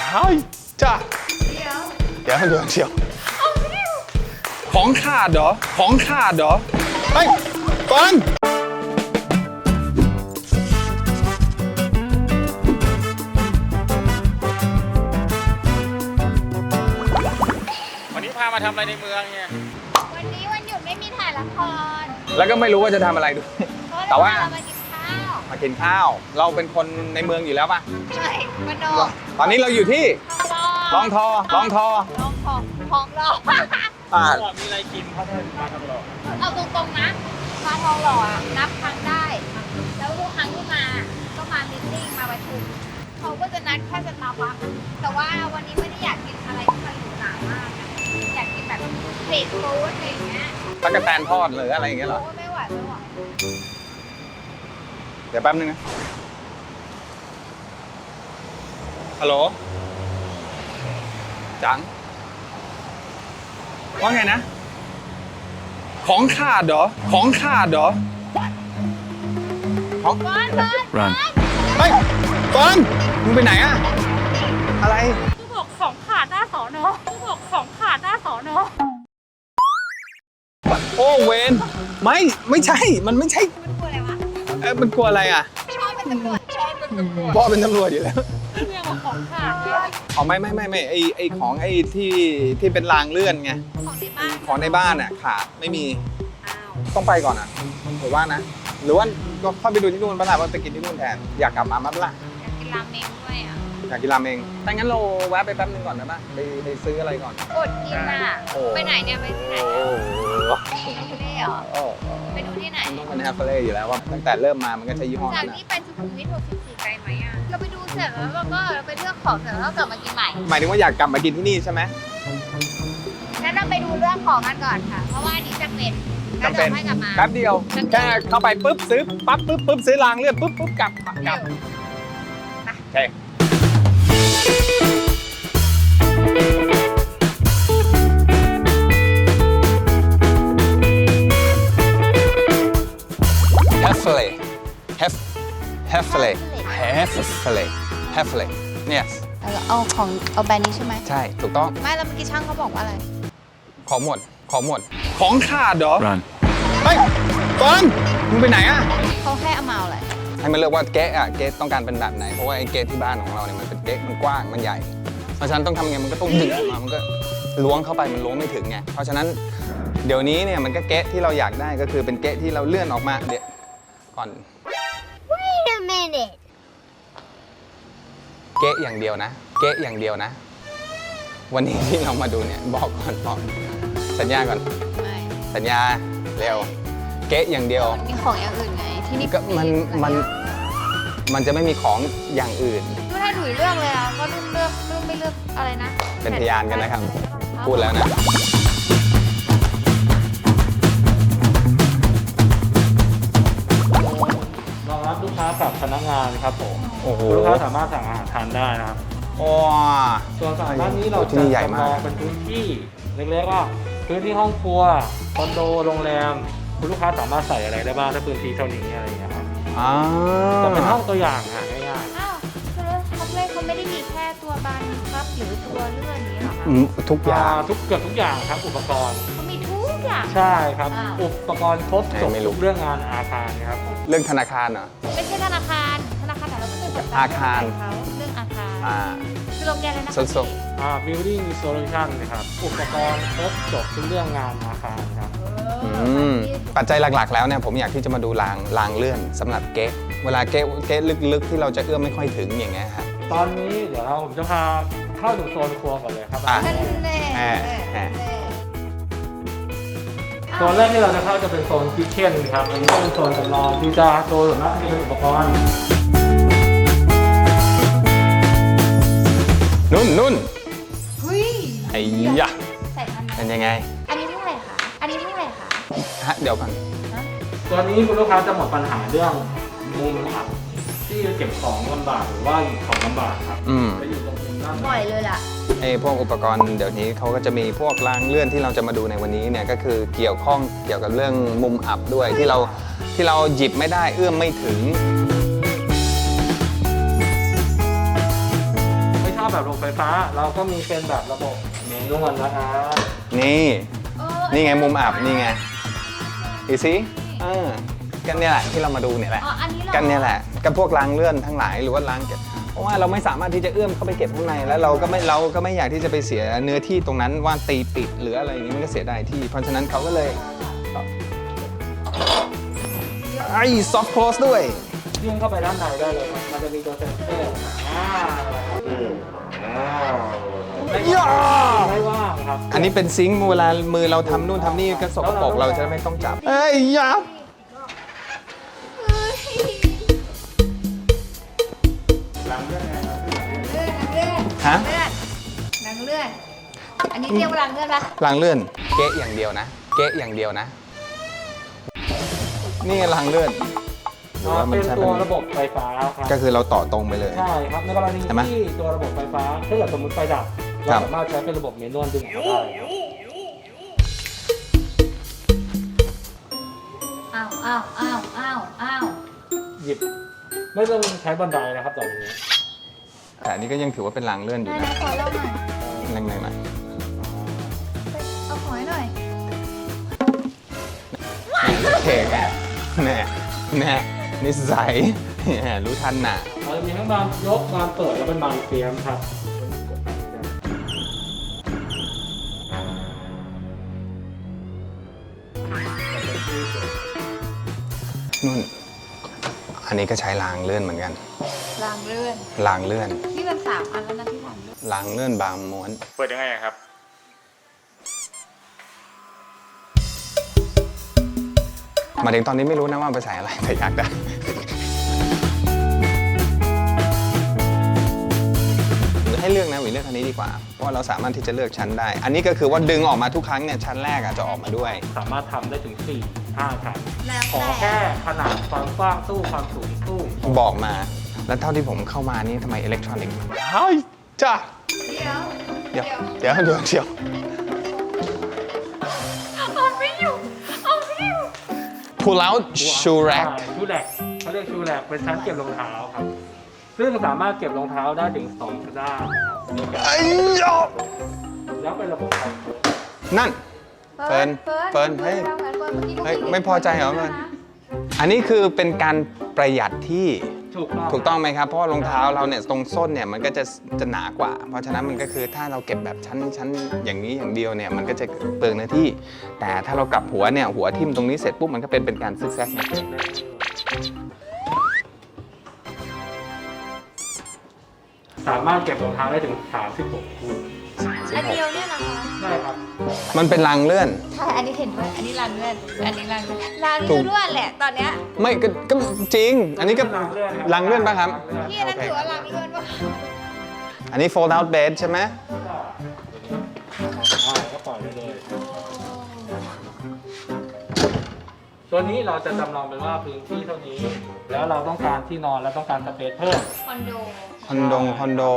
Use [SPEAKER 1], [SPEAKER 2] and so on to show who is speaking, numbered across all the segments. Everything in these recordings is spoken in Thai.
[SPEAKER 1] เฮ้ยจ้าเดี๋ยว
[SPEAKER 2] ของขาดเหรอของขาดเหรอ
[SPEAKER 1] เฮ้ยเฟิร์น
[SPEAKER 2] วันนี้พามาทำอะไรในเมืองเนี่ย
[SPEAKER 3] วันนี้วันหยุดไม่มีถ่ายละคร
[SPEAKER 1] แล้วก็ไม่รู้ว่าจะทำอะไรด้วย
[SPEAKER 3] เพราะ
[SPEAKER 1] แต่ว่า
[SPEAKER 3] เรามากินข้าว
[SPEAKER 1] มากินข้าว เราเป็นคนในเมืองอยู่แล้วป่ะ
[SPEAKER 3] ใช่มโน
[SPEAKER 1] ตอนนี้เราอยู่ที่ลองทอ
[SPEAKER 3] ลองของเรา
[SPEAKER 2] มีอะไรกินเขาได้มาตลอด
[SPEAKER 3] เอาตรงๆนะมาทองหล่ออะนับครั้งได้ แล้วทุกครั้งที่มาก็มามีตติ้งมาประชุมเขาก็จะนัดแค่สตาร์บัคแต่ว่าวันนี้ไม่ได้อยากกินอะไรที่มันหรูหรามากนะอยากกินแบบสตรีทฟู้ดอะไรอย่างเงี้ย
[SPEAKER 1] ตะกแตนทอดหรืออะไรอย่างเงี้ยเหรอ
[SPEAKER 3] โอ้ไม่ไหว
[SPEAKER 1] เดี๋ยวแป๊บนึงนะ ฮัลโหล จัง ว่าไงนะ
[SPEAKER 2] ของขาดเหรอของขาดเหรอ
[SPEAKER 1] ของ
[SPEAKER 3] เฟิร์น
[SPEAKER 2] Run
[SPEAKER 1] เฮ้ยเฟิร์นมึงไปไหนอะอะไร
[SPEAKER 3] ผู้บอกของขาดหน้าสอนอผู้บอกของขาดหน้าสอนอ
[SPEAKER 1] โอ้เวนไม่ใช่ มันไม่ใช่
[SPEAKER 3] มันกลัวอะไรวะ
[SPEAKER 1] มันกลัวอะไรอ่ะ
[SPEAKER 3] ชอบเป็นตำรวจชอบเป็นตำรวจ
[SPEAKER 1] พ่อเป็นตำรวจอยู่แล้ว
[SPEAKER 3] เรื่องของขาด
[SPEAKER 1] อ๋อไม่ไอของไอที่เป็นรางเลื่อนไง
[SPEAKER 3] ของในบ้าน
[SPEAKER 1] ของในบ้านอ่ะขาดไม่มี
[SPEAKER 3] อ้าว
[SPEAKER 1] ต้องไปก่อนอ่ะหรือว่านะ หรือว่าก็เข้าไปดูที่นู่นบ้างล่ะว่าไปกินที่นู่นแทน อยากกลับมามั้ยล่ะ
[SPEAKER 3] อยากกินราเมงด้วยอ่ะ
[SPEAKER 1] อยากกินราเมงถ้างั้นเราแวะไปแป๊บนึงก่อนได้ปะไปซื้ออะไรก่อน
[SPEAKER 3] อดกินอ่ะ
[SPEAKER 1] โอ้
[SPEAKER 3] ไปไหนเนี่ยไปที่ไหน
[SPEAKER 1] โอ้
[SPEAKER 3] อ่ะไปเล่เหรอ
[SPEAKER 1] โอ้
[SPEAKER 3] ไปดูที่ไหน
[SPEAKER 1] มันต้องเป็นแฮปเปอร์เล่อยู่แล้วว่าตั้งแต่เริ่มมามันก็ใช้ยี่ห้อ
[SPEAKER 3] จาก
[SPEAKER 1] นั้นนะ
[SPEAKER 3] นี้ไปสุขุมวิท64ไกลไหมอ่ะเราไปดูเสร็จแล้วเราก็ไปเลือกของเสร็จแล้วเรากลับมากินใหม่
[SPEAKER 1] หมายถึงว่าอยากกลับมากินที่นี่ใช่ไหม
[SPEAKER 3] งั้นเราไปดูเรื่องของกันก่อนค่ะ เพราะว่าอันนี้จำเป็นแล้ว
[SPEAKER 1] จำเป็น
[SPEAKER 3] เดี๋ยวให้กลับมา
[SPEAKER 1] แป๊บเดียวแค่เข้าไปปุ๊บซื้อปั๊บปุ๊บซื้อรางเลื่อนปุ๊บกลับ
[SPEAKER 3] เร็ว
[SPEAKER 1] โอเค Heffley yes
[SPEAKER 3] เอาแบรนด์นี้ใช่ไหม
[SPEAKER 1] ใช่ถูกต้อง
[SPEAKER 3] ไม่แล้วเมื่อกี้ช่างเขาบอกว่าอะไร
[SPEAKER 1] ของหมด
[SPEAKER 2] ของขาดเหรอ
[SPEAKER 4] Run.
[SPEAKER 1] เฮ้ยเฟิร์นมึงไปไหนอะ
[SPEAKER 3] เขาให้เอามาอะไร
[SPEAKER 1] ให้มันเลือกว่าเก๊ะอะเก๊ะต้องการเป็นแบบไหนเพราะว่าไอ้เก๊ะที่บ้านของเราเนี่ยมันเป็นเก๊ะมันกว้างมันใหญ่เพราะฉะนั้นต้องทำไงมันก็ต้องดึงออกมามันก็ล้วงเข้าไปมันล้วงไม่ถึงไงเพราะฉะนั้นเดี๋ยวนี้เนี่ยมันก็เก๊ะที่เราอยากได้ก็คือเป็นเก๊ะที่เราเลื่อนออกมาเดี๋ยวก่อน
[SPEAKER 3] Wait a minute
[SPEAKER 1] เก๊ะอย่างเดียวนะเก๊ะอย่างเดียวนะ วันนี้ที่เรามาดูเนี่ยบอกสัญญาก่อน
[SPEAKER 3] ไม่
[SPEAKER 1] สัญญาเร็วเก๊ะอย่างเดียว
[SPEAKER 3] มันมีของอย่างอื่นไงที่นี่
[SPEAKER 1] ก็มันจะไม่มีของอย่างอื่น
[SPEAKER 3] ไม่ให้ถุยเลือกเลยอ่ะก็เลือกไม่เลือกอะไรนะ
[SPEAKER 1] เป็นพยานกันนะครับ พูดแล้วนะ
[SPEAKER 4] รองรับลูกค้ากับพนักงานครับผม
[SPEAKER 1] โอ้โห
[SPEAKER 4] ลูกค้าสามารถสั่งอาหารทานได้นะครับ
[SPEAKER 1] ว้า
[SPEAKER 4] ส่วนฝั่งด้านนี้เรา
[SPEAKER 1] ที่
[SPEAKER 4] จะ
[SPEAKER 1] นี่ใหญ่มาก
[SPEAKER 4] จำลองเป็นพื้นที่เล็กๆว่าพื้นที่ห้องครัวคอนโดโรงแรมคุณลูกค้าสามารถใส่อะไรได้บ้างถ้าพื้นที่เท่านี้อะไรอย่างเงี้ยครับ
[SPEAKER 1] อ่า
[SPEAKER 4] จะเป็นห้องตัวอย่างง่าย
[SPEAKER 3] อ้าวคือเขาไม่ได้มีแค่ตัวบานพับหรือตัวเลื่อนนี้หรอคะ
[SPEAKER 1] ทุก
[SPEAKER 4] ๆ
[SPEAKER 1] อย่าง
[SPEAKER 4] เกือบทุกอย่างครับอุปกรณ์
[SPEAKER 3] เขามีทุกอย่าง
[SPEAKER 4] ใช่ครับ
[SPEAKER 3] อ้าว
[SPEAKER 4] อุปกรณ์ครบจบ
[SPEAKER 1] ไม่รู้
[SPEAKER 4] ทุกเรื่องงานอาคารครับ
[SPEAKER 1] เรื่องธนาคารเหรอ
[SPEAKER 3] ไม่ใช่ธนาคารแต่เราก็เป็นแบบ
[SPEAKER 1] อาคาร
[SPEAKER 3] เขาเรื่องอาคาร
[SPEAKER 1] อ่า
[SPEAKER 3] คือโรงแรมเลยนะ
[SPEAKER 1] สุด
[SPEAKER 4] building solution นะครับอุปกรณ์ครบจบทุกเรื่องงานอาคารครับ
[SPEAKER 1] ปัจจัยหลักๆ แล้วเนี่ยผมอยากที่จะมาดูรางเลื่อนสำหรับเก๊ะเวลาเก๊ะลึกๆ ที่เราจะเอื้อมไม่ค่อยถึงอย่างเงี้ยครับ
[SPEAKER 4] ตอนนี้เดี๋ยวผมจะพาเข้าถึงโซนครัวก่อนเลยครับ
[SPEAKER 1] อ่ะ
[SPEAKER 3] นั่นแน่
[SPEAKER 4] โซนแรกที่เราจะเข้าจะเป็นโซนคิทเช่นครับอันนี้ก็เป็นโซนจำลองที่จะโซนส่วนมากจะเป็นอุปกรณ์
[SPEAKER 1] นุ่น
[SPEAKER 3] เฮ้ย
[SPEAKER 1] ไอ้ยะ
[SPEAKER 3] ใส่พัน
[SPEAKER 1] เป็นยังไง
[SPEAKER 3] อันนี้เท่าไหร่คะอันนี้เท่าไหร่คะ
[SPEAKER 1] ฮะเดี๋ยวก่อน
[SPEAKER 4] ตัวนี้คุณลูกค้าจะหมดปัญหาเรื่องมุมอับที่เก็บของลำบากหรือว่าหยิบของลำบากครับ จะอยู่ตรงมุมด้าน
[SPEAKER 3] บ่อยเลยล่ะ
[SPEAKER 1] ไอ้พวกอุปกรณ์เดี๋ยวนี้เขาก็จะมีพวกรางเลื่อนที่เราจะมาดูในวันนี้เนี่ยก็คือเกี่ยวข้องเกี่ยวกับเรื่องมุมอับด้วยที่เราหยิบไม่ได้เอื้อมไม่ถึง
[SPEAKER 4] ไม่ทราบแบบระบบไฟฟ้าเราก็มีเป็นแบบระบบเมนวลนะครับ
[SPEAKER 1] นี่
[SPEAKER 3] เออ
[SPEAKER 1] นี่ไงมุมอับนี่ไงดูสิกันเนี่ยแหละที่เรามาดูเนี่ยแหละ
[SPEAKER 3] อ๋ออันนี้เหรอ
[SPEAKER 1] กันเนี่ยแหละกับพวกรางเลื่อนทั้งหลายหรือว่ารางเก็บเพราะว่าเราไม่สามารถที่จะเอื้อมเข้าไปเก็บข้างในแล้วเราก็ไม่อยากที่จะไปเสียเนื้อที่ตรงนั้นว่าตีปิดหรืออะไรอย่างนี้มันก็เสียดายที่ เพราะฉะนั้นเขาก็เลยไอ้ซอฟต์โคลสด้วย
[SPEAKER 4] ยื่นเข้าไปด้านในได้เลยครับมันจะมีตัวเซ็นเซอร์ไม่ว่างครับ
[SPEAKER 1] อันนี้เป็นซิงค์เวลามือเราทำนู่นทำนี่ก็สกปรกเราจะไม่ต้องจับเอ้ยยับ
[SPEAKER 3] เฮ้ย
[SPEAKER 4] หลังเรื่องไงครับ
[SPEAKER 3] เลื่อนเลื่อน
[SPEAKER 1] ฮะ
[SPEAKER 3] เลื่อนหนังเลื่อน อันนี้เรียกว่าหลังเลื่อนปะ
[SPEAKER 1] รางเลื่อนเก๊ะอย่างเดียวนะ เก๊ะอย่างเดียวนะ นี่ไงรางเลื่อนหรือว่ามั
[SPEAKER 4] เป็น น
[SPEAKER 1] ใช้
[SPEAKER 4] ตัวระบบไฟฟ้าครับ
[SPEAKER 1] ก็คือเราต่อตรงไปเลย
[SPEAKER 4] ใช่ครับในกรณี
[SPEAKER 1] ใช่ไหม
[SPEAKER 4] ที่ตัวระบบไฟฟ้าถ้าเกิดสมมติไฟดับ
[SPEAKER 1] ครั
[SPEAKER 4] เรา
[SPEAKER 1] บ
[SPEAKER 4] สามารถใช้เป็นระบบเมนวลดึงออกได้ครับ
[SPEAKER 3] อ้าวอ้าวอ้าวอ้าวอ้าว
[SPEAKER 4] หยิบไม่ต้องใช้บันไดนะครับตอนนี้
[SPEAKER 1] แต่อันนี้ก็ยังถือว่าเป็นรางเลื่อนอยู่
[SPEAKER 3] ได้
[SPEAKER 1] นะ
[SPEAKER 3] นะขอเล่าหน่อย
[SPEAKER 1] แรงๆหน่อย
[SPEAKER 3] เอาหอยหน่อย
[SPEAKER 1] โอเคแน่นิสัยแหมรู้ทันน่ะ
[SPEAKER 4] เราจะมีทั้งบานยกบานเปิดและเป็นบานเฟียมครับ
[SPEAKER 1] นู่น อันนี้ก็ใช้รางเลื่อนเหมือนกัน
[SPEAKER 3] รางเลื่อน
[SPEAKER 1] รางเลื่อน
[SPEAKER 3] นี่มัน3 อันแล้วนะที่รางเลื่อน
[SPEAKER 1] รางเลื่อนบางม้วน
[SPEAKER 2] เปิดยังไงอะครับ
[SPEAKER 1] มาถึงตอนนี้ไม่รู้นะว่าไปใส่อะไรแต่อยากได้ ให้เลือกนะหวีเลือกคันนี้ดีกว่า เพราะว่าเราสามารถที่จะเลือกชั้นได้ อันนี้ก็คือว่าดึงออกมาทุกครั้งเนี่ยชั้นแรกจะออกมาด้วย
[SPEAKER 4] สามารถทำได้ถึง 4-5 ชั้น
[SPEAKER 3] แล้ว
[SPEAKER 4] ขอ
[SPEAKER 3] แต่
[SPEAKER 4] แค่ขนาดความกว้างตู้ความสูงตู้
[SPEAKER 1] บอกมา แล้วเท่าที่ผมเข้ามานี่ทำไมอิเล็กทรอนิกส์เฮ้ยจ้า
[SPEAKER 3] เดี๋ยว
[SPEAKER 1] เดี๋ยว
[SPEAKER 3] เอาไม่อยู่เอาไม่อยู่
[SPEAKER 1] pull out shoe rack
[SPEAKER 4] ชูแรกเขาเรียกชูแรกเป็นชั้นเก็บรองเท้าครับ ซึ่งสามารถเก็บรองเท้าได้ถึง2 ด้านนะครับในการ
[SPEAKER 1] ไอ้ยอ
[SPEAKER 4] แล้วเป็นระบบไฟ
[SPEAKER 1] นั่น เฟิร์นเฮ้ย เฮ้ยไม่พอใจเหรอเฟิร์น อันนี้คือเป็นการประหยัดที่ ถูกต้องไหมครับ เพราะว่ารองเท้าเราเนี่ยตรงส้นเนี่ยมันก็จะหนากว่า เพราะฉะนั้นมันก็คือถ้าเราเก็บแบบชั้นอย่างนี้อย่างเดียวเนี่ยมันก็จะเปลืองเนื้อที่ แต่ถ้าเรากลับหัวเนี่ยหัวทิ่มตรงนี้เสร็จปุ๊บมันก็เป็นการซึกแซกนะ
[SPEAKER 4] สามารถเก็บรองเท้าได้ถึง36 คู่
[SPEAKER 3] อันเดียวเนี่ยนะคะ
[SPEAKER 4] ได้ครับ
[SPEAKER 1] มันเป็นรางเลื่อน
[SPEAKER 3] ใช่ อันนี้เห็นด้วย อันนี้รางเลื่อน อันนี้รางเลื่อนรางเลื่อนด้วยแหละ ตอนเนี้ย
[SPEAKER 1] ไม่ก็จริง อันนี้ก็รางเลื่อนป่ะครับ
[SPEAKER 3] พี่อันนั้นถือว่ารางเลื่อนปะ
[SPEAKER 1] อันนี้ fold out bed ใช่ไหม
[SPEAKER 4] ก็ปล่อยไปเลย ตัวนี้เราจะจำลองเป็นว่าพื้นที่เท่านี้ แล้วเราต้องการที่นอนและต้องการสเปซเพิ่ม
[SPEAKER 3] คอนโด
[SPEAKER 1] คอนโด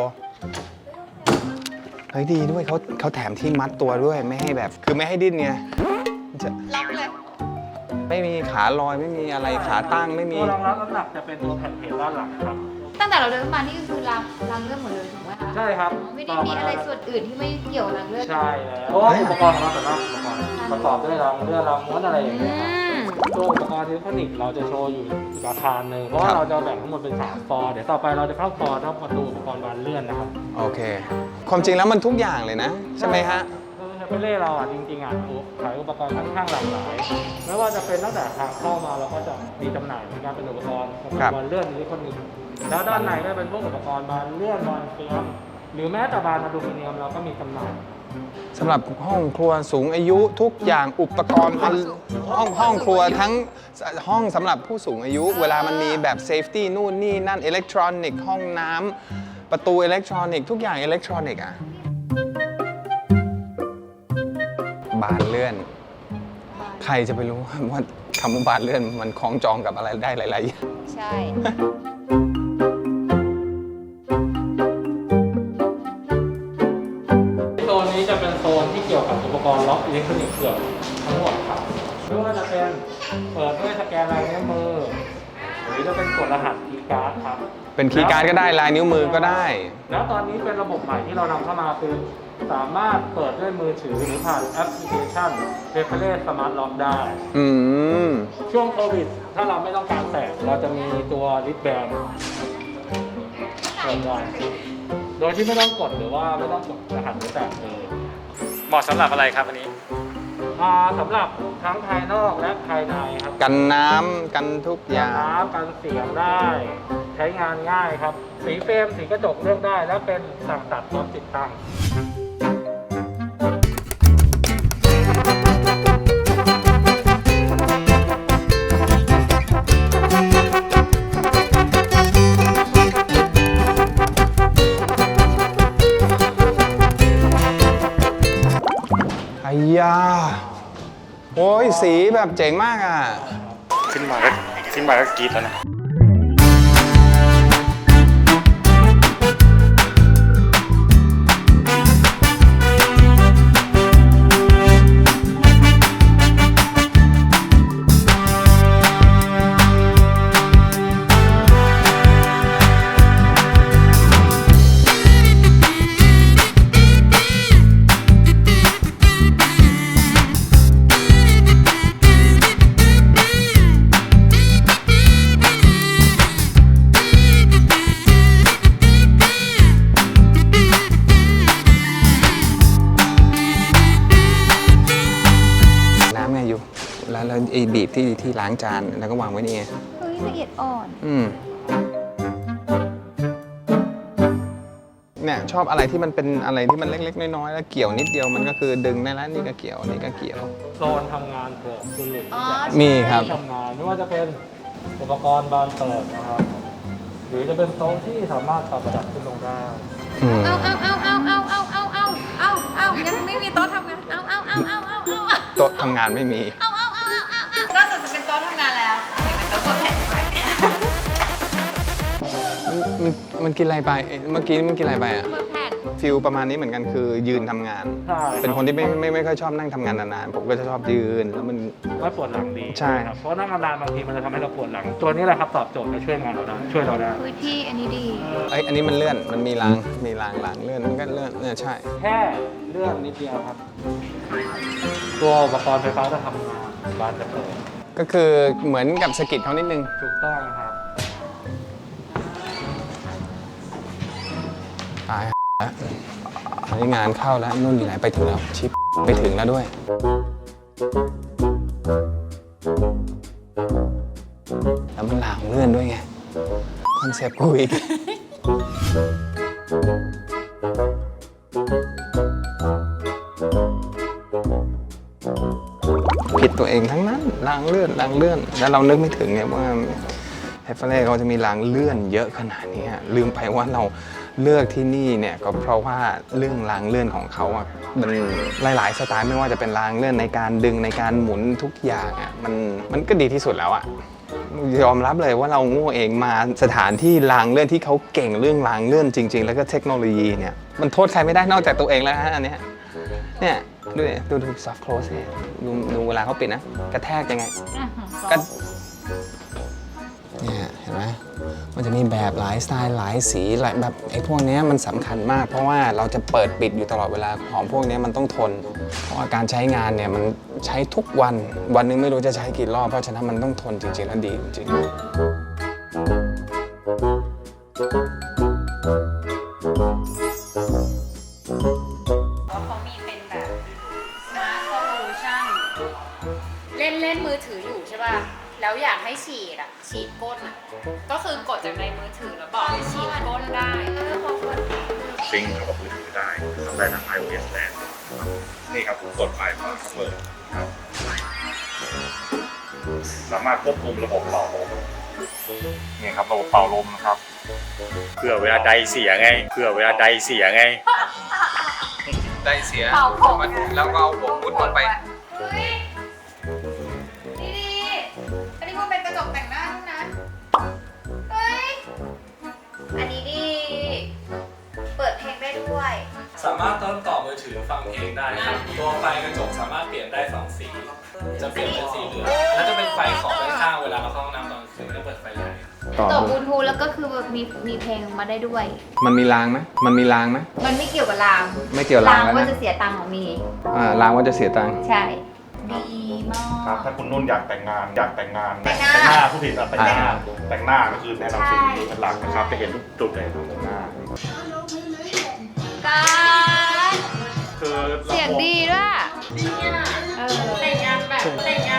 [SPEAKER 1] เฮ้ยดีด้วยเขาแถมที่มัดตัวด้วยไม่ให้แบบ คือไม่ให้ดิ้นไงจะ
[SPEAKER 3] ล็อกเลย
[SPEAKER 1] ไม่มีขาลอยไม่มีอะไรขาตั้งไม่มี
[SPEAKER 4] ตัวรองรับน้ำหนักจะเป็นตัวแผ่นเพลด้านหลังครับ
[SPEAKER 3] ตั้งแต่เราเดินมานี่ก็คือรางเลื่อนหมดเลยถูกไหมคะ
[SPEAKER 4] ใช่ครับ
[SPEAKER 3] ไม่ได้มีอะไรส่วนอื่นที่ไม่เกี่ยวกับรางเลื่อน
[SPEAKER 4] ใช่แล้วเพราะว่าอุปกรณ์ของเราแต่ละอุปกรณ์ประกอบด้วยรางเลื่อนรางม้วนอะไรอย่างเงี้ยครับตัวอุปกรณ์อิเล็กทรอนิกส์เราจะโชว์อยู่อีกอาคารหนึ่งเพราะว่าเราจะแบ่งทั้งหมดเป็น3 ฟอร์เดี๋ยวต่อไปเราจะเข้าฟอร์ทั้งประตูอุปกรณ์บานเลื่อนนะครับ
[SPEAKER 1] โอเค ความจริงแล้วมันทุกอย่างเลยนะ ใช่ไหมฮะ
[SPEAKER 4] เฮเปเล่เราอ่ะจริงๆอ่ะขายอุปกรณ์ค่อนข้างหลากหลาย ไม่ว่าจะเป็นตั้งแต่ทางเข้ามาเราก็จะมีจำหน่ายในการเป็นอุปกรณ์บานเลื่อนอิเล็กทรอนิกส์แล้วด้านในก็เป็นพวกอุปกรณ์บานเลื่อนบานเฟียมหรือแม้แต่บานอะลูมิเนียมเราก็มีจำหน่าย
[SPEAKER 1] สำหรับห้องครัวสูงอายุทุกอย่างอุปกรณ์ห้องครัวทั้งห้องสำหรับผู้สูงอายุ เวลามันมีแบบเซฟตี้นู่นนี่นั่นอิเล็กทรอนิกส์ห้องน้ำประตูอิเล็กทรอนิกส์ทุกอย่างอิเล็กทรอนิกส์อ่ะบานเลื่อน ใครจะไปรู้ว่าคำว่าบานเลื่อนมันคล้องจองกับอะไรได้หลายๆอย่าง
[SPEAKER 3] ใช่
[SPEAKER 4] โซนนี้จะเป็นโซนที่เกี่ยวกับอุปกรณ์ล็อกอิเล็กทรอนิกส์เกือบทั้งหมดครับไม่ว่าจะเป็นเปิดด้วยสแกนลายนิ้วมือหรือรือจะเป็นกดรหัสคีย์การ์ดครับ
[SPEAKER 1] เป็นคีย์การ์ดก็ได้ลายนิ้วมือก็ได้
[SPEAKER 4] แล้วตอนนี้เป็นระบบใหม่ที่เรานำเข้ามาคือสามารถเปิดด้วยมือถือหรือผ่านแอปพลิเคชัน Reference Smart Lock ได้
[SPEAKER 1] อืม
[SPEAKER 4] ช่วงโควิด ถ้าเราไม่ต้องการแตะเราจะมีตัวริบแบนเปิดได้โดยที่ไม่ต้องกดหรือว่าไม่ต้องกดรหัสหรือแตะเลยเหมาะสำหรับอะไรครับอันนี้สำหรับทั้งภายนอกและภายในครับ
[SPEAKER 1] กันน้ำกันทุกอย่าง
[SPEAKER 4] น้ำกันเสียงได้ ใช้งานง่ายครับ สีเฟรมสีกระจกเลือกได้ และเป็นสั่งตัดพร้อมติดตั้ง
[SPEAKER 1] ไอ้ยาโอ้ยสีแบบเจ๋งมากอ่ะ
[SPEAKER 4] ขึ้นมาก็กรี๊ดแล้วนะ
[SPEAKER 1] น้ำไงอยู่ แล้วไอ้บีบที่ล้างจานแล้วก็วางไว้นี่ไง
[SPEAKER 3] เฮ้ยละเอียดอ่อน
[SPEAKER 1] เนี่ยชอบอะไรที่มันเป็นอะไรที่มันเล็กๆน้อยๆแล้วเกี่ยวนิดเดียวมันก็คือดึงได้แล้วนี่ก็เกี่ยวนี่ก็เกี่ยว
[SPEAKER 4] โซนทำงานของคุณหลุย
[SPEAKER 3] อ๋อ
[SPEAKER 1] มีครับ
[SPEAKER 4] ทำงานไม่ว่าจะเป็นอุปกรณ์บานเปิดนะครับ หรือจะเป็นโต๊ะที่สามารถปรับระดับขึ้นลงได้
[SPEAKER 1] อืม
[SPEAKER 3] เอายังไม่มีโต๊ะทำงานเอา
[SPEAKER 1] โต๊ะทำงานไม่มี
[SPEAKER 3] นอกจากจะเป็นโต๊ะทำงานแล้วยังเป็นโต๊ะกดแผ่นด้วย
[SPEAKER 1] มันกินอะไรไปเมื่อกี้มันกินอะไรไปอ่ะ
[SPEAKER 3] กดแผ่น
[SPEAKER 1] ฟิลประมาณนี้เหมือนกันคือยืนทำงาน
[SPEAKER 4] ใช่
[SPEAKER 1] เป็นคนที่ไม่ค่อยชอบนั่งทำงานนานๆผมก็จะชอบยืนแล้วมัน
[SPEAKER 4] ไม่ปวดหลังดี
[SPEAKER 1] ใช่
[SPEAKER 4] ครับเพราะนั่งนานๆบางทีมันจะทำให้เราปวดหลัง ตัวนี้แหละครับตอบโจทย์และช่วยงานเราได้ช่วยเราได้
[SPEAKER 3] พื้นที่อันนี้ดี
[SPEAKER 1] อันนี้มันเลื่อนมันมีรางเลื่อนมันก็เลื่อนเนี่ยใช่
[SPEAKER 4] แค่เลื่อนนิดเดียวครับ ตัวอุปกรณ์ไฟฟ้าจะทำงานบานจะเปิด
[SPEAKER 1] ก็คือเหมือนกับสะกิดเขานิดนึง
[SPEAKER 4] ถูกต้องครับ
[SPEAKER 1] ตายแล้วอันนี้งานเข้าแล้วนุ่นอยู่ไหนไปถึงแล้วชิปไปถึงแล้วด้วยแล้วมันหลางเลื่อนด้วยไงคอนเซปต์กูอีกผิดตัวเองทั้งนั้นรางเลื่อนแล้วเรานึกไม่ถึงไงว่าเฮฟเฟอร์เล่เขาจะมีรางเลื่อนเยอะขนาดนี้ลืมไปว่าเราเลือกที่นี่เนี่ยก็เพราะว่าเรื่องรางเลื่อนของเขาอ่ะมันหลายๆสไตล์ไม่ว่าจะเป็นรางเลื่อนในการดึงในการหมุนทุกอย่างอ่ะมันก็ดีที่สุดแล้วอ่ะยอมรับเลยว่าเราโง่เองมาสถานที่รางเลื่อนที่เขาเก่งเรื่องรางเลื่อนจริง ๆ แล้วก็เทคโนโลยีเนี่ยมันโทษใครไม่ได้นอกจากตัวเองแล้วฮะอันเนี้ยเนี่ยดูsoft close เนี่ยดูเวลาเขาปิดนะกระแทกยังไงก็เนี่ยเห็นไหมมันจะมีแบบหลายสไตล์หลายสีหลายแบบไอ้พวกนี้มันสำคัญมากเพราะว่าเราจะเปิดปิดอยู่ตลอดเวลาของพวกนี้มันต้องทนเพราะว่าการใช้งานเนี่ยมันใช้ทุกวันวันหนึงไม่รู้จะใช้กี่รอบเพราะฉะนั้นมันต้องทนจริงๆแล้วดีจริงๆ
[SPEAKER 3] เขามีเป็นแบบ Smart Solution เล่นมือถืออยู่ใช่ป่ะ แล้วอยากให้ฉีดก้นก็คือกดจากในมือถือแล้วบอกให้ฉีดก้นได้พอกด
[SPEAKER 5] ซิงก์เข้ากับมือถือได้ทำได้ทั้ง iOS และ นี่ครับกดไปพอเปิดครับสามารถควบคุมระบบเป่าลมนี่ครับระบบเป่าลมนะครับเผื่อเวลาใดเสียไง
[SPEAKER 1] ได้เสีย
[SPEAKER 3] เป่าผม
[SPEAKER 1] แล้วก็เอาหัวมุดลงไป
[SPEAKER 3] เฮ้ยดีอันนี้มันเป็นกระจกแต่งหน้าด้วยนะ เฮ้ย อันนี้ดี เปิดเพลงได้ด้วย
[SPEAKER 4] สามารถเติมต่อมือถือฟังเพลงได้ครับ ตัวไฟกระจกสามารถเปลี่ยนได้2 สี จะเปลี่ยนเป็นสีเหลืองและจะเป็นไฟขอบด้านข้างเวลาเราเข้าห้องน้ำตอนคืนไม่ได้เปิดไฟใหญ่ต่อ
[SPEAKER 3] ต่อบลูทูธแล้วก็คือมีเพลงมาได้ด้วย
[SPEAKER 1] มันมีรางไหมมันมีรางไหม
[SPEAKER 3] มันไม่เกี่ยวกับราง
[SPEAKER 1] ไม่เกี่ยวรางแล้ว
[SPEAKER 3] ว่า
[SPEAKER 1] นะ
[SPEAKER 3] จะเสียตังค์ของมี
[SPEAKER 1] รางว่าจะเสียตังค์
[SPEAKER 3] ใช่ ดีมาก
[SPEAKER 5] ครับถ้าคุณนุ่นอยากแต่งงานแต่งหน้าผู้ผิดแต่งหน้าก็คือแนะนำสิ่งนี้เป็นหลักนะครับจะเห็นทุกจุดเลยของแต่งหน้า
[SPEAKER 3] การ
[SPEAKER 5] คือ
[SPEAKER 3] เสียงดีด้วยแต่งงานแบบไม่ใช่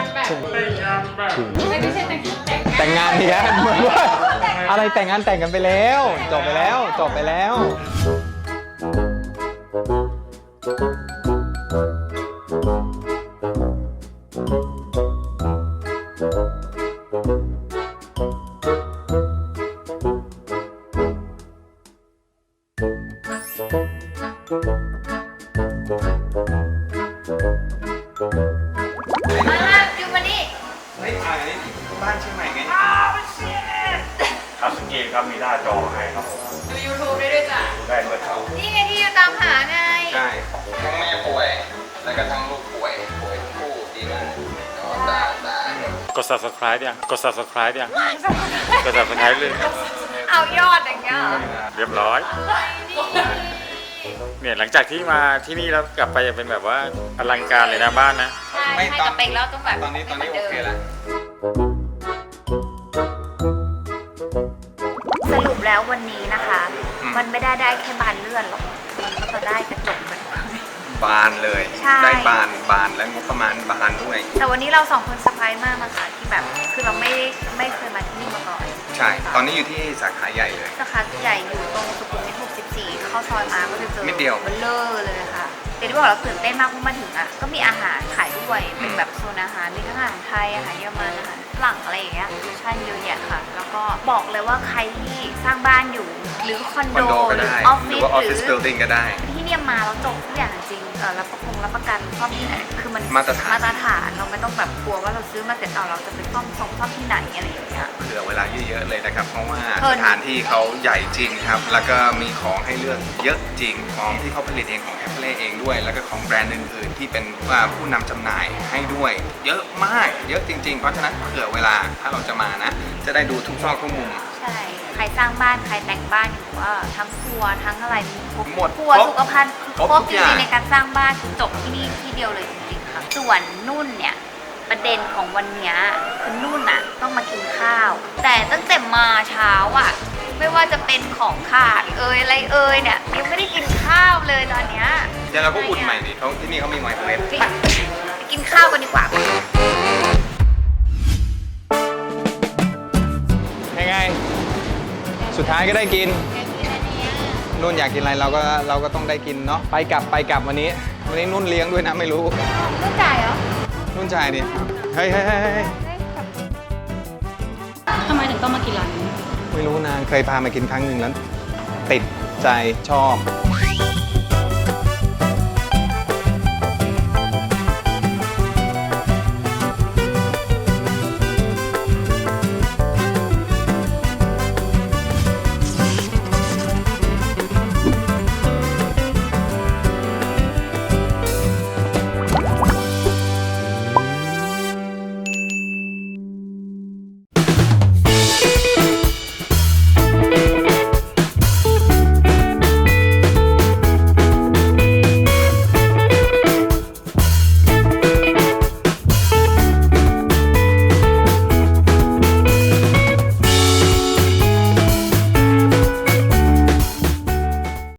[SPEAKER 3] แต่งงาน
[SPEAKER 1] แต่งงานเนี่ยเหมือนว่าอะไรแต่งงานแต่งกันไปแล้ว จบไปแล้ว
[SPEAKER 3] มาดูมานี่
[SPEAKER 1] เฮ้ยถ่ายนี่บ้านเชียงใหม่ไง
[SPEAKER 5] ครับสกีครับมีหน้าจอให้ครับผม
[SPEAKER 3] ดู YouTube ได้ด้วยจ้ะ
[SPEAKER 5] ได้ด้วยครับ
[SPEAKER 3] นี่ไงที่อยู่ตามหาไง
[SPEAKER 1] ใช่ทั้งแม่ป่วย แล้วก็ทั้งลูกป่วยทั้งคู่ดีมากตาย
[SPEAKER 5] กด subscribe ยังกด subscribe ยังกด subscribe เลย
[SPEAKER 3] เอายอดอย่างเงี้ยเหรอ
[SPEAKER 5] เรียบร้อย เนี่ยหลังจากที่มาที่นี่แล้วกลับไปจะเป็นแบบว่าอลังการเลยนะบ้านนะ
[SPEAKER 3] ใช่ให้กับเป็กแล้วต้องแบบ
[SPEAKER 1] ตอนนี้
[SPEAKER 3] ไม่หมื
[SPEAKER 1] โอเคแล้ว
[SPEAKER 3] สรุปแล้ววันนี้นะคะ
[SPEAKER 1] อืม
[SPEAKER 3] มันไม่ได้แค่บานเลื่อนหรอก มันก็จะได้กระจกมันด้วย
[SPEAKER 1] บานเลย
[SPEAKER 3] ใช่
[SPEAKER 1] ได้บานและงบประมาณบานด้วย
[SPEAKER 3] แต่วันนี้เราสองคนเซอร์ไพรส์มากนะคะที่แบบคือเราไม่เคยมาที่นี่มาก่อน
[SPEAKER 1] ใช่ ตอนนี้อยู่ที่สาขาใหญ่เลย
[SPEAKER 3] สาขาใหญ่อยู่ตรงสุขุมวิท64เข้าซอยมาก็จะเจอ
[SPEAKER 1] นิดเดียว
[SPEAKER 3] เบลเลอร์เลยค่ะแต่ที่บอกเราตื่นเต้นมากเพราะมาถึงอ่ะก็มีอาหารขายด้วยเป็นแบบโซนอาหารมีทั้งอาหารไทยอาหารเยอรมันอาหารฝรั่งอะไรอย่างเงี้ยฟิวชั่นเยอะแยะค่ะ แล้วก็บอกเลยว่าใครที่สร้างบ้านอยู่หรือคอน
[SPEAKER 1] คอน
[SPEAKER 3] โด
[SPEAKER 1] โดก็
[SPEAKER 3] หรือ
[SPEAKER 1] ได้
[SPEAKER 3] ออฟ
[SPEAKER 1] ห
[SPEAKER 3] ฟิ
[SPEAKER 1] รือ
[SPEAKER 3] ศ
[SPEAKER 1] ว่าออฟ
[SPEAKER 3] ห
[SPEAKER 1] ฟิ
[SPEAKER 3] รื
[SPEAKER 1] ศ
[SPEAKER 3] อ
[SPEAKER 1] เบิลดิ้งก็ได้
[SPEAKER 3] ที่เนี่ยมาแล้วจบทุกอย่างจริงรับประกันซ่อมที่ไหนคือมัน
[SPEAKER 1] มาตรฐาน
[SPEAKER 3] มาตรฐานเราไม่ต้องแบบกลัวว่าเราซื้อมาเสร็จเอาเราจะไปซ่อมที่ไหนอะไรอย่างเงี้ย
[SPEAKER 1] เผื่อเวลาเยอะๆเลยนะครับ เพราะว่า
[SPEAKER 3] เพลิ
[SPEAKER 1] ส
[SPEAKER 3] น
[SPEAKER 1] ถานที่เขาใหญ่จริงครับ แล้วก็มีของให้เลือกเยอะจริง ของที่เขาผลิตเองของแคปเล่เองด้วย แล้วก็ของแบรนด์อื่นๆ ที่เป็นผู้นำจำหน่ายให้ด้วย เยอะมาก เยอะจริงๆ เพราะฉะนั้นเผื่อเวลาถ้าเราจะมานะ จะได้ดูทุกซอกทุกมุม
[SPEAKER 3] ใช่ ใครสร้างบ้าน ใครแต่งบ้านอยู่ว่าทั้งครัวทั้งอะไรมีครบ
[SPEAKER 1] หมด
[SPEAKER 3] ครัว
[SPEAKER 1] ครบ
[SPEAKER 3] สุขภัณฑ์
[SPEAKER 1] ครบ
[SPEAKER 3] ครบ
[SPEAKER 1] ทุก
[SPEAKER 3] จ
[SPEAKER 1] อย่าง
[SPEAKER 3] ริงๆในการสร้างบ้านคือจบที่นี่ที่เดียวเลยจริงๆค่ะ ส่วนนุ่นเนี่ยประเด็นของวันเนี้ยคือนุ่นอะต้องมากินข้าว แต่ตั้งแต่มาเช้าอะไม่ว่าจะเป็นของขาดอะไรเนี่ยยังไม่ได้กินข้าวเลยตอนเนี้ย
[SPEAKER 1] เดี๋ยวเราก็อุ่นใหม่ดิเขาที่นี่เขามีไมโครเวฟ
[SPEAKER 3] ไปกินข้าวกันดีกว่า
[SPEAKER 1] ยังไง สุดท้ายก็ได้กิน นุ่นอยากกินอะไรเราก็ต้องได้กินเนาะ ไปกลับวันนี้นุ่นเลี้ยงด้วยนะไม่รู้
[SPEAKER 3] นุ่นจ่ายเหรอ
[SPEAKER 1] นุ่นจ่ายดิ เฮ้ย
[SPEAKER 6] ทำไมถึงต้องมากินร้านนี้
[SPEAKER 1] ไม่รู้นางเคยพามากินครั้งหนึ่งแล้ว ติดใจชอบ